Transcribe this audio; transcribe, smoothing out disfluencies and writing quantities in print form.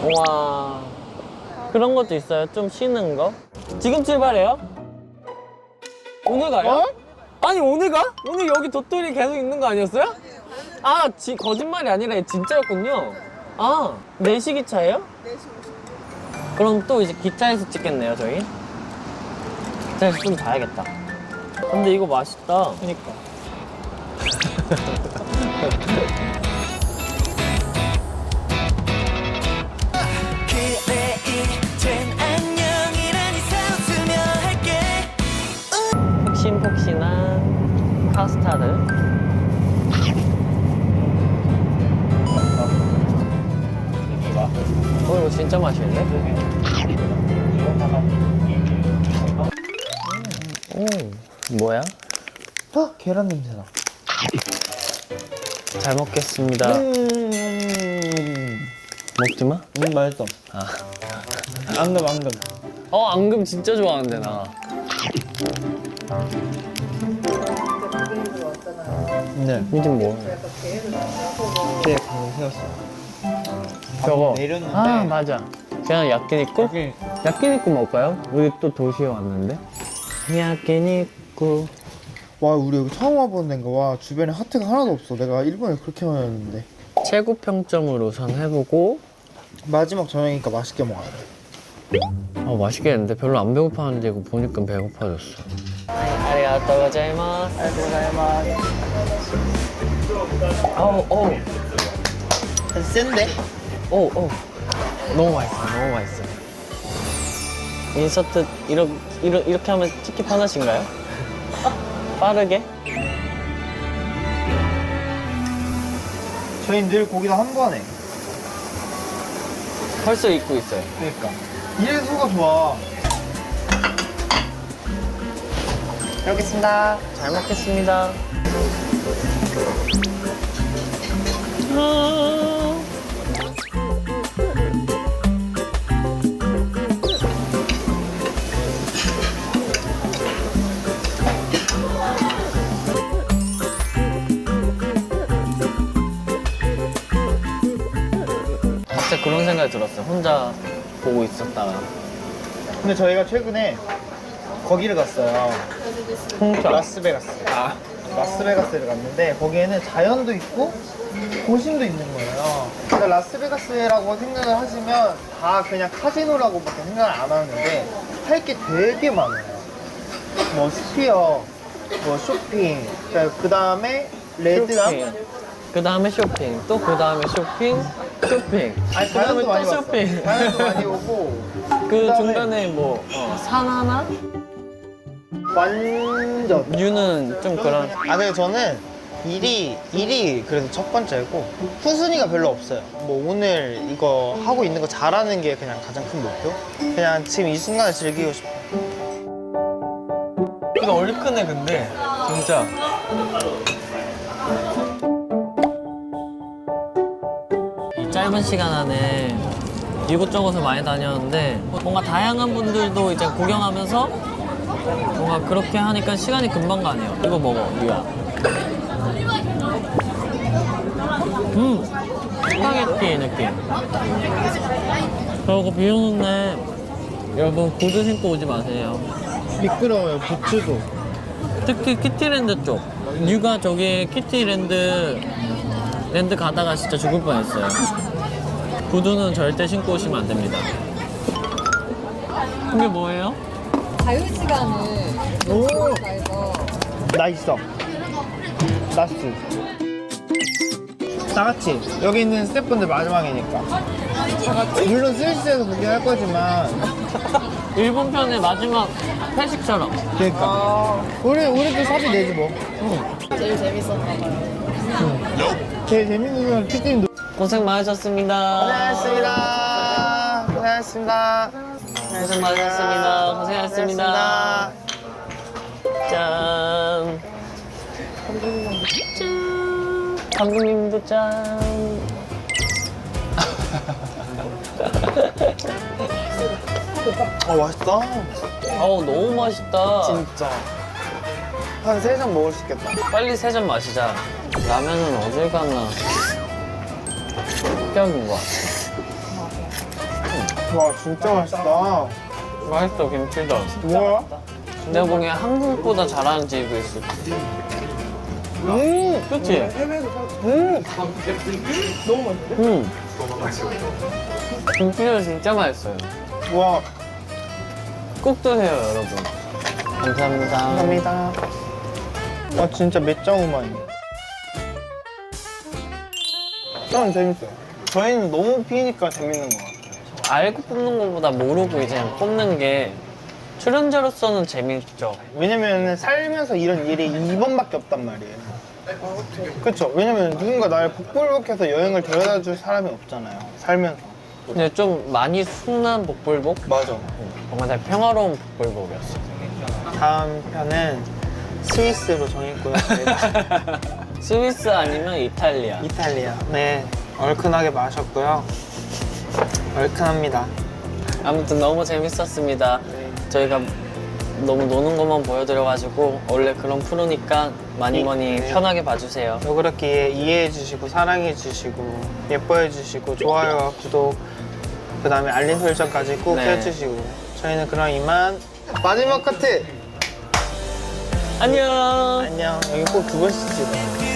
와, 그런 것도 있어요? 좀 쉬는 거? 지금 출발해요? 오늘 가요? 어? 아니 오늘 가? 오늘 여기 도토리 계속 있는 거 아니었어요? 아, 거짓말이 아니라 진짜였군요. 아, 4시 기차예요? 4시. 그럼 또 이제 기차에서 찍겠네요, 저희. 기차에서 좀 자야겠다. 근데 이거 맛있다. 그니까. 폭신폭신한 카스타드. 이거 진짜 맛있는데? 뭐야? 계란 냄새나. 잘 먹겠습니다. 먹지 마? 맛있어. 앙금. 앙금 진짜 좋아하는데 나. 네. 이게 뭐야? 네, 방금 세웠어. 저거. 내렸는데. 아, 맞아. 그냥 야끼니쿠? 야끼니쿠 먹을까요? 우리 또 도시에 왔는데. 야끼니쿠. 와, 우리 여기 처음 와보는 데인가. 와, 주변에 하트가 하나도 없어. 내가 일본에 그렇게 많이 왔는데. 최고 평점을 우선 해보고. 마지막 저녁이니까 맛있게 먹어야 돼. 맛있겠는데? 별로 안 배고파하는데 이거 보니까 배고파졌어. 아리가또 고자이마스. 어우. 센데? 너무 맛있어. 인서트 이렇게 하면 찍기 편하신가요? 빠르게? 저희는 늘 고기다 한 번에. 벌써 입고 있어요. 그러니까. 이래서가 좋아. 잘 먹겠습니다. 잘 먹겠습니다. 진짜 그런 생각이 들었어요. 혼자 보고 있었다가. 근데 저희가 최근에 거기를 갔어요. 홍차. 라스베가스. 라스베가스를 갔는데 거기에는 자연도 있고 도심도 있는 거예요. 그러니까 라스베가스라고 생각을 하시면 다 그냥 카지노라고밖에 생각을 안 하는데 할 게 되게 많아요. 뭐 스피어, 뭐 쇼핑, 그 다음에 레드암. 그 다음에 쇼핑. 또 그 다음에 쇼핑. 아니, 그 다음에 자연도 또 많이 쇼핑. 봤어요. 자연도 많이 오고 그 그다음에 중간에 뭐 산 하나? 완전. 유는 좀 그런. 근데 저는 일이 그래도 첫 번째고 후순위가 별로 없어요. 뭐 오늘 이거 하고 있는 거 잘하는 게 그냥 가장 큰 목표? 그냥 지금 이 순간을 즐기고 싶어. 이거 얼큰해 근데 진짜. 이 짧은 시간 안에 이곳저곳을 많이 다녔는데 뭔가 다양한 분들도 이제 구경하면서 뭔가 그렇게 하니까 시간이 금방 가네요. 이거 먹어, 유야. 스파게티 느낌. 저거 비 오는데 여러분 구두 신고 오지 마세요. 미끄러워요, 부츠도. 특히 키티랜드 쪽. 유가 저기 키티랜드 가다가 진짜 죽을 뻔했어요. 구두는 절대 신고 오시면 안 됩니다. 이게 뭐예요? 자유시간을 오! 해서 나 있어. 나스. 다 같이. 여기 있는 스태프분들 마지막이니까. 물론 스위스에서 구경할 거지만. 일본 편의 마지막 회식처럼. 그러니까. 우리도 사비 내지 뭐. 제일 재밌었나 봐요. 제일 재밌는 건 피디님 고생 많으셨습니다. 고생하셨습니다. 고생하셨습니다. 고생 많으셨습니다. 고생하셨습니다. 짠. 짠. 감독님도 짠. 맛있다. 너무 맛있다. 진짜. 한 3잔 먹을 수 있겠다. 빨리 3잔 마시자. 라면은 어딜 갔나. 합격인 것 같아. 와 진짜 맛있다. 맛있어, 김치도. 뭐야? 내가 보기엔 한국보다 잘하는 집이 있을 거야. 그치? 너무 맛있어. 김치는 진짜 맛있어요. 와 꼭 드세요, 여러분. 감사합니다. 감사합니다. 와 진짜 맷장우마이네. 저는 재밌어요. 저희는 너무 피니까 재밌는 것 같아요. 알고 뽑는 것보다 모르고 이제 뽑는 게 출연자로서는 재밌죠. 왜냐면 살면서 이런 일이 2번밖에 없단 말이에요. 그쵸? 왜냐면 누군가 나를 복불복해서 여행을 데려다 줄 사람이 없잖아요. 살면서. 근데 좀 많이 순한 복불복? 맞아. 뭔가 되게 평화로운 복불복이었어. 다음 편은 스위스로 정했고요. 저희가. 스위스 아니면 이탈리아. 이탈리아. 네. 얼큰하게 마셨고요. 얼큰합니다. 아무튼 너무 재밌었습니다. 네. 저희가 너무 노는 것만 보여드려가지고 원래 그런 프로니까 많이 네. 편하게 봐주세요. 너그럽게 이해해주시고 사랑해주시고 예뻐해주시고 좋아요와 구독 그 다음에 알림 설정까지 꼭 네. 해주시고 저희는 그럼 이만 마지막 커트! 안녕. 안녕. 여기 꼭 두 번씩 찍어.